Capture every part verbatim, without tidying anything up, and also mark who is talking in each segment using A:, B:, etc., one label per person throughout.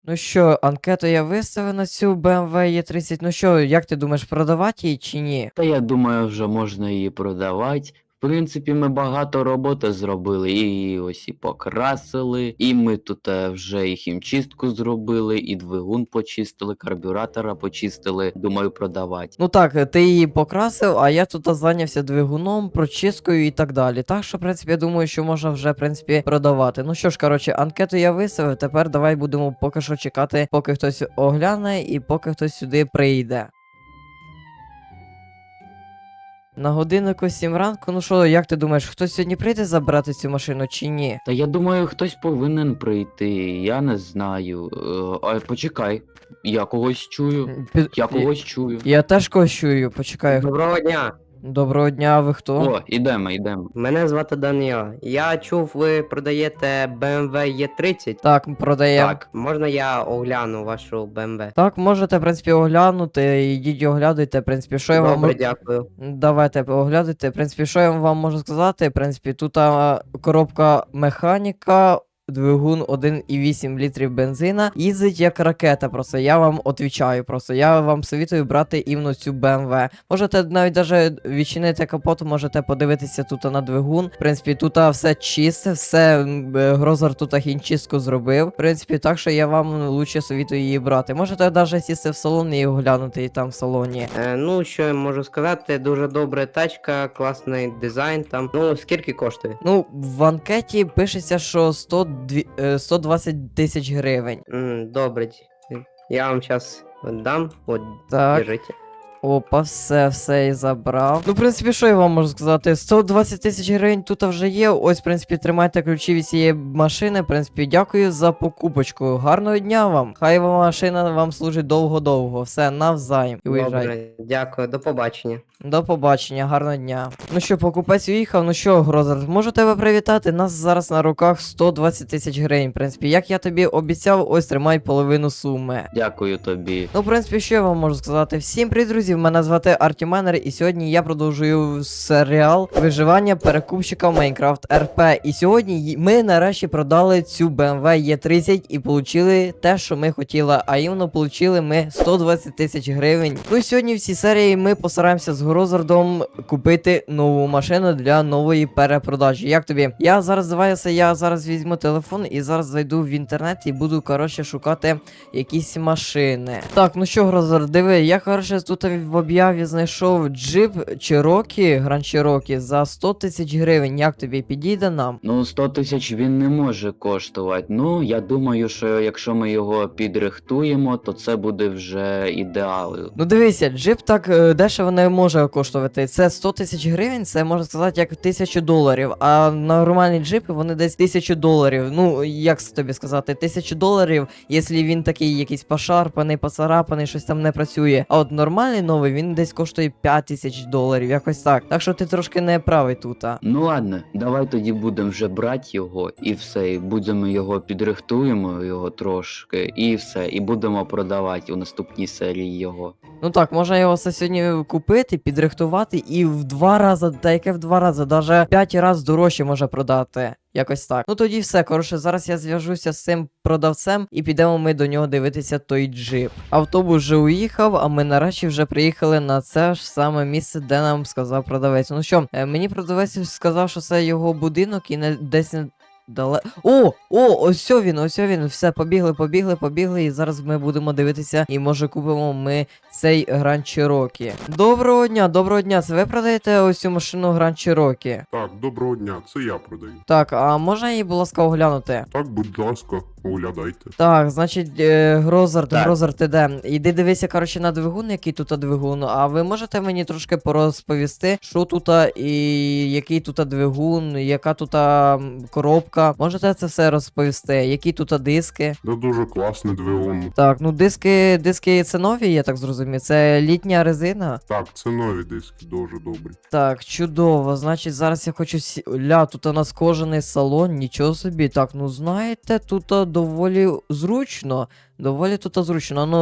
A: Ну що, анкету я виставив на цю бе ем ве е тридцять. Ну що, як ти думаєш, продавати її чи ні?
B: Та я думаю, вже можна її продавати. В принципі, ми багато роботи зробили, і ось і покрасили, і ми тут е, вже і хімчистку зробили, і двигун почистили, карбюратора почистили. Думаю, продавати.
A: Ну так, ти її покрасив, а я тут зайнявся двигуном, прочисткою і так далі. Так що, в принципі, я думаю, що можна вже, в принципі, продавати. Ну що ж, коротше, анкету я виставив, тепер давай будемо поки що чекати, поки хтось огляне і поки хтось сюди прийде. На годиннику сім ранку, ну що, як ти думаєш, хтось сьогодні прийде забрати цю машину чи ні?
B: Та я думаю, хтось повинен прийти. Я не знаю. Е, А почекай, я когось чую.
A: Під-
B: Я когось чую.
A: Я теж когось чую, почекай.
C: Доброго дня.
A: Доброго дня, ви хто?
B: О, ідемо, ідемо.
C: Мене звати Даніо. Я чув, ви продаєте бе ем ве е тридцять.
A: Так, продаємо.
B: Так.
C: Можна я огляну вашу бе ем ве?
A: Так, можете, в принципі, оглянути, ідіть оглядуйте, в принципі, що я вам
C: Добре,
A: можу...
C: дякую.
A: Давайте оглядайте, в принципі, що я вам можу сказати, в принципі, тут а, коробка механіка, двигун один і вісім літрів бензина, їздить як ракета, просто, я вам отвічаю, просто, я вам советую брати іменно цю бе ем ве. Можете навіть даже відчинити капот, можете подивитися тут на двигун, в принципі, тут а, все чисте, все, м, е, Грозер тут хімчистку зробив, в принципі, так що я вам лучше советую її брати. Можете навіть сісти в салон і оглянути її там в салоні.
C: Е, ну, що я можу сказати, дуже добра тачка, класний дизайн там. Ну, скільки коштує?
A: Ну, в анкеті пишеться, що сто, дві- е, сто двадцять тисяч гривень.
C: М, добре. Я вам зараз дам. От,
A: Так,
C: держите.
A: опа, все, все і забрав. Ну, в принципі, що я вам можу сказати? сто двадцять тисяч гривень тут вже є. Ось, в принципі, тримайте ключі від цієї машини. В принципі, дякую за покупочку. Гарного дня вам. Хай вам машина вам служить довго-довго. Все, навзаєм. І уїжджай.
C: Добре, дякую, до побачення.
A: До побачення, гарного дня. Ну що, покупець уїхав, ну що, Грозер, можу тебе привітати. Нас зараз на руках сто двадцять тисяч гривень. В принципі, як я тобі обіцяв, ось тримай половину суми.
B: Дякую тобі.
A: Ну, в принципі, що я вам можу сказати? Всім привіт, друзі! Мене звати Артіменер, і сьогодні я продовжую серіал виживання перекупщика в Майнкрафт ар пі. І сьогодні й- ми нарешті продали цю бе ем ве е тридцять і отримали те, що ми хотіли. А іменно отримали ми сто двадцять тисяч гривень. Ну і сьогодні в цій серії ми постараємося з Грозардом купити нову машину для нової перепродажі. Як тобі? Я зараз здаваюся, я зараз візьму телефон і зараз зайду в інтернет і буду, коротше, шукати якісь машини. Так, ну що, Грозер, диви, я, коротше, тут в об'яві знайшов джип Cherokee, Grand Cherokee за сто тисяч гривень. Як тобі підійде нам?
B: Ну, сто тисяч він не може коштувати. Ну, я думаю, що якщо ми його підрихтуємо, то це буде вже ідеал.
A: Ну дивися, джип так е, дешево не може коштувати. Це сто тисяч гривень, це можна сказати як тисячу доларів. А нормальні джипи вони десь тисячу доларів. Ну, як тобі сказати, тисячу доларів, якщо він такий якийсь пошарпаний, поцарапаний, щось там не працює. А от нормальний новий він десь коштує п'ять тисяч доларів, якось так. Так що ти трошки не правий тут. А.
B: Ну ладно, давай тоді будемо вже брати його і все, і будемо його підрихтуємо його трошки, і все, і будемо продавати у наступній серії його.
A: Ну так, можна його все сьогодні купити, підрихтувати і в два рази, та яке в два рази, навіть п'ять разів дорожче може продати. Якось так. Ну тоді все, коротше, зараз я зв'яжуся з цим продавцем і підемо ми до нього дивитися той джип. Автобус вже уїхав, а ми нарешті вже приїхали на це ж саме місце, де нам сказав продавець. Ну що, е, мені продавець сказав, що це його будинок і не десь не. Дале... О, о, ось він, ось він. Все, побігли, побігли, побігли. І зараз ми будемо дивитися, і може купимо ми цей Grand Cherokee. Доброго дня, доброго дня. Це ви продаєте ось цю машину Grand Cherokee?
D: Так, доброго дня, це я продаю.
A: Так, а можна її, будь ласка, оглянути?
D: Так, будь ласка, оглядайте.
A: Так, значить, е, Грозард,
B: Так.
A: Грозард, ти де? Іди дивися, коротше, на двигун, який тут двигун. А ви можете мені трошки порозповісти, що тут і який тут двигун, яка тут м, коробка? Можете це все розповісти? Які тут диски?
D: Це дуже класний двигун.
A: Так, ну диски, диски це нові, я так зрозумів. Це літня резина.
D: Так, це нові диски, дуже добрі.
A: Так, чудово. Значить, зараз я хочу сі... Ля, тут у нас кожаний салон, нічого собі. Так, ну знаєте, тут а, доволі зручно. Доволі тут а, зручно. Ну,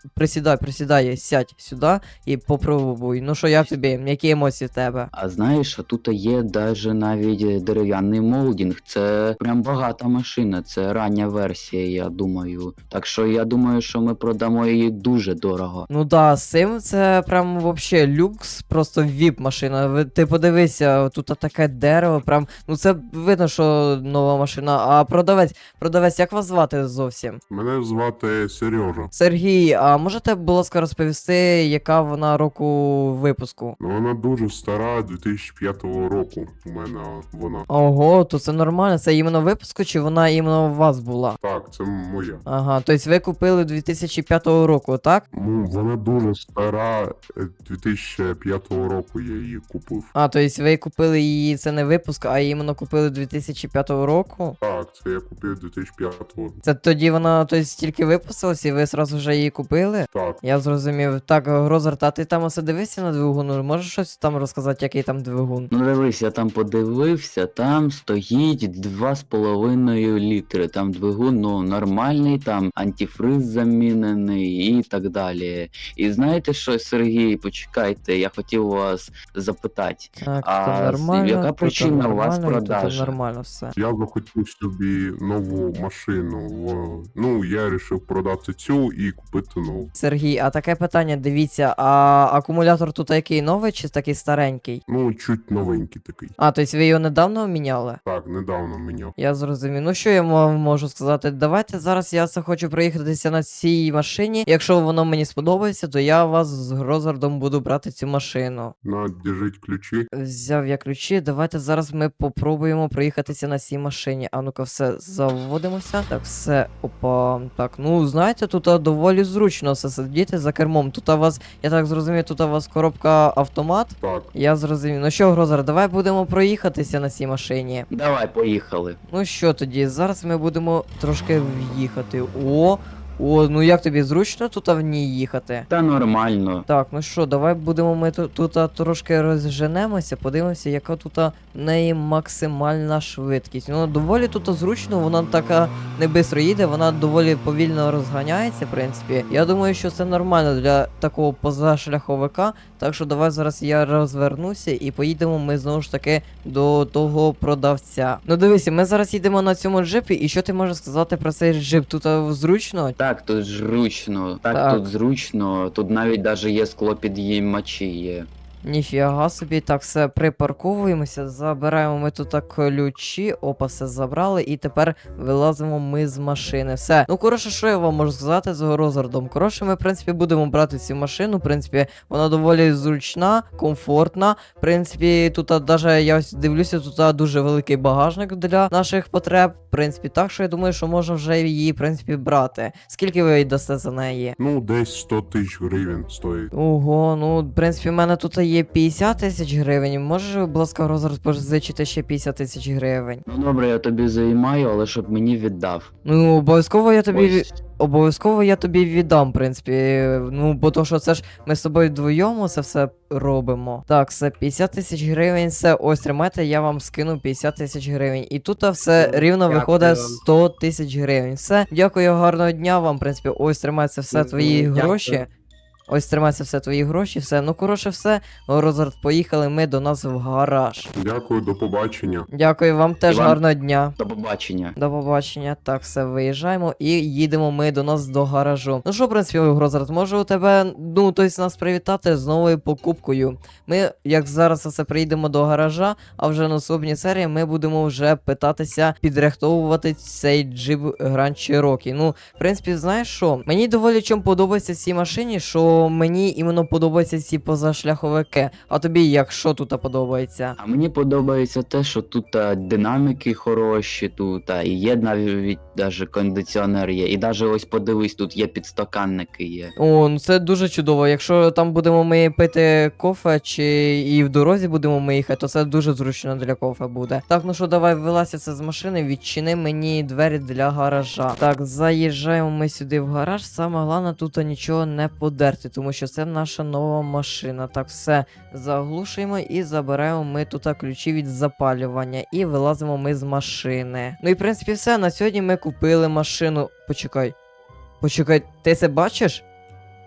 A: присідай, присідай, сядь сюди і попробуй. Ну що, як тобі? Які емоції в тебе?
B: А знаєш, а тут є даже навіть дерев'яний молдінг. Це прям багата машина, це рання версія, я думаю. Так що я думаю, що ми продамо її дуже дорого.
A: Ну да, з цим це прям вообще люкс, просто віп машина. Ви- Ти подивися, тут таке дерево, прям, ну це видно, що нова машина. А продавець, продавець, як вас звати зовсім?
D: Мене звати Сережа.
A: Сергій, а можете, будь ласка, розповісти, яка вона року випуску?
D: Ну, вона дуже стара, дві тисячі п'ятого року у мене вона.
A: Ого, то це нормально, це іменно випуску, чи вона іменно у вас була?
D: Так, це моя.
A: Ага, тобто ви купили дві тисячі п'ятого року, так?
D: Ну, вона дуже стара, е, дві тисячі п'ятого року я її купив.
A: А, тобто ви купили її, це не випуск, а іменно купили дві тисячі п'ятого року?
D: Так, це я купив дві тисячі п'ятого року.
A: Це тоді вона тобто, тільки випустилась і ви сразу вже її купили?
D: Так,
A: Я зрозумів. Так, Грозард, а ти там оце дивився на двигун? Можеш щось там розказати, який там двигун?
B: Ну дивись, я там подивився, там стоїть два з половиною літри. Там двигун, ну, нормальний, там антифриз замінений і так далі. І знаєте що, Сергій, почекайте, я хотів вас запитати.
A: Так,
B: А
A: то нормально.
B: яка
A: тут
B: причина у вас
A: нормально, і тут
B: продажі?
A: нормально все.
D: я захотів собі нову машину. в- Ну, я вирішив продати цю і купити нову.
A: Сергій, а таке питання, дивіться, а акумулятор тут який новий чи такий старенький?
D: Ну, чуть новенький такий.
A: А, тобто ви його недавно міняли?
D: Так, недавно міняв.
A: Я зрозумів. Ну що я вам можу сказати? Давайте зараз я це хочу проїхатися на цій машині. Якщо воно мені сподобається, то я вас з Грозардом буду брати цю машину.
D: На, держіть ключі.
A: Взяв я ключі. Давайте зараз ми попробуємо проїхатися на цій машині. А ну-ка, все, заводимося. Так, все, опа. Так, ну знаєте, тут а, доволі зручно все сидіти за кермом. Тут у вас, я так зрозумів, тут у вас коробка автомат.
D: Так,
A: Я зрозумів. Ну що, Грозар, давай будемо проїхатися на цій машині.
B: Давай, поїхали.
A: Ну що тоді, зараз ми будемо трошки в'їхати. О, о, ну як тобі зручно тут в ній їхати?
B: Та нормально.
A: Так, ну що, давай будемо ми тут, тут а, трошки розженемося, подивимося, яка тут а, в неї максимальна швидкість. Ну, доволі тут а, зручно, вона така не бистро їде, вона доволі повільно розганяється, в принципі. Я думаю, що це нормально для такого позашляховика. Так що давай зараз я розвернуся і поїдемо ми знову ж таки до того продавця. Ну дивися, ми зараз їдемо на цьому джипі, і що ти можеш сказати про цей джип? Тут а, зручно?
B: Так, тут зручно. Так,
A: Так.
B: тут зручно. Тут навіть даже є склопідіймачі є.
A: Ніфіга собі, так, все, припарковуємося, забираємо ми тут так ключі, опа, все забрали, і тепер вилазимо ми з машини. Все. Ну, коротше, що я вам можу сказати з Грозардом? Коротше, ми, в принципі, будемо брати цю машину, в принципі, вона доволі зручна, комфортна. В принципі, тут а, даже я ось дивлюся, тут а, дуже великий багажник для наших потреб. В принципі, так що я думаю, що можна вже її, в принципі, брати. Скільки ви дасте за неї?
D: ну десь сто тисяч гривень стоїть.
A: Ого, ну, в принципі, в мене тут є п'ятдесят тисяч гривень. Можеш, будь ласка, Грозард, позичити ще п'ятдесят тисяч гривень?
B: Ну добре, я тобі займаю, але щоб мені віддав.
A: Ну, обов'язково я тобі ві-
B: Ось.
A: обов'язково я тобі віддам, в принципі. Ну, бо то, що це ж ми з тобою вдвоєм це все робимо. Так, все, п'ятдесят тисяч гривень, все, ось тримайте, я вам скину п'ятдесят тисяч гривень. І тут все
C: Ну,
A: рівно
C: дякую
A: виходить
C: вам.
A: сто тисяч гривень. Все, дякую, гарного дня вам, в принципі, ось тримайте все
C: Мгм,
A: твої
C: дякую.
A: гроші. Ось тримайся все твої гроші, все. Ну, коротше, все. Розард, поїхали ми до нас в гараж.
D: Дякую, до побачення.
A: Дякую вам теж
B: Іван.
A: гарного дня.
B: До побачення.
A: До побачення. Так, все, виїжджаємо і їдемо ми до нас до гаражу. Ну що, в принципі, Грозард, можу у тебе, ну, тобто нас привітати з новою покупкою. Ми, як зараз все приїдемо до гаража, а вже на наступній серії ми будемо вже питатися підрихтовувати цей джип Grand Cherokee. Ну, в принципі, знаєш що? Мені доволі чим подобається цій машині, що мені іменно подобаються ці позашляховики. А тобі як, що тут подобається?
B: А мені подобається те, що тут а, динаміки хороші, тут а, і є навіть даже кондиціонер є. І даже ось подивись, тут є підстаканники є.
A: О, ну це дуже чудово. Якщо там будемо ми пити кофе, чи і в дорозі будемо ми їхати, то це дуже зручно для кофе буде. Так, ну що, давай вилазь це з машини, відчини мені двері для гаража. Так, заїжджаємо ми сюди в гараж. Саме головне тут нічого не подерти, тому що це наша нова машина. Так, все заглушуємо і забираємо ми тут ключі від запалювання. І вилазимо ми з машини. Ну і в принципі все. На сьогодні ми купили машину. Почекай. Почекай, ти це бачиш?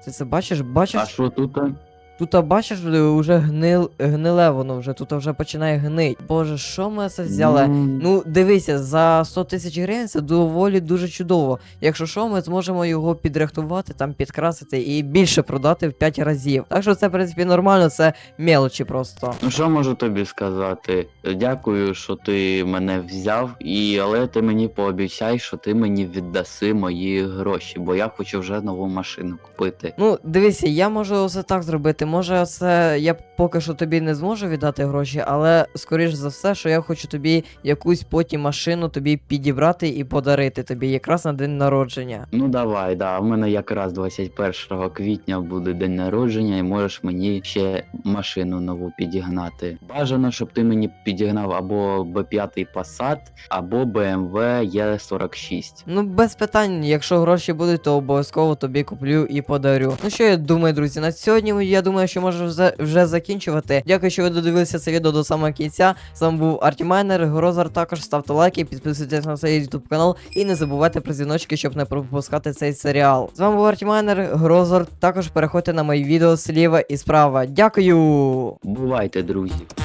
A: Ти це бачиш? Бачиш?
B: А що тут?
A: Тут, а бачиш, вже гнил, гниле воно вже, тут вже починає гнить. Боже, що ми це взяли?
B: Ну,
A: Ну, дивися, за сто тисяч гривень це доволі дуже чудово. Якщо що, ми зможемо його підрихтувати, там підкрасити і більше продати в п'ять разів. Так що це, в принципі, нормально, це мелочі просто.
B: Ну що можу тобі сказати? Дякую, що ти мене взяв, і але ти мені пообіцяй, що ти мені віддаси мої гроші, бо я хочу вже нову машину купити.
A: Ну, дивися, я можу все так зробити. Може, це я поки що тобі не зможу віддати гроші, але скоріш за все, що я хочу тобі якусь потім машину тобі підібрати і подарити тобі якраз на день народження.
B: Ну давай, да, в мене якраз двадцять першого квітня буде день народження, і можеш мені ще машину нову підігнати. Бажано, щоб ти мені підігнав або бе п'ять Passat, або бе ем ве Е сорок шість.
A: Ну, без питань, якщо гроші будуть, то обов'язково тобі куплю і подарю. Ну що я думаю, друзі, на сьогодні я думаю, що можу вже, вже закінчувати. Дякую, що ви додивилися це відео до самого кінця. З вами був Артімайнер, Грозар. Також ставте лайки, підписуйтесь на цей YouTube канал і не забувайте про дзвіночки, щоб не пропускати цей серіал. З вами був Артімайнер, Грозар. Також переходьте на мої відео зліва і справа. Дякую!
B: Бувайте, друзі.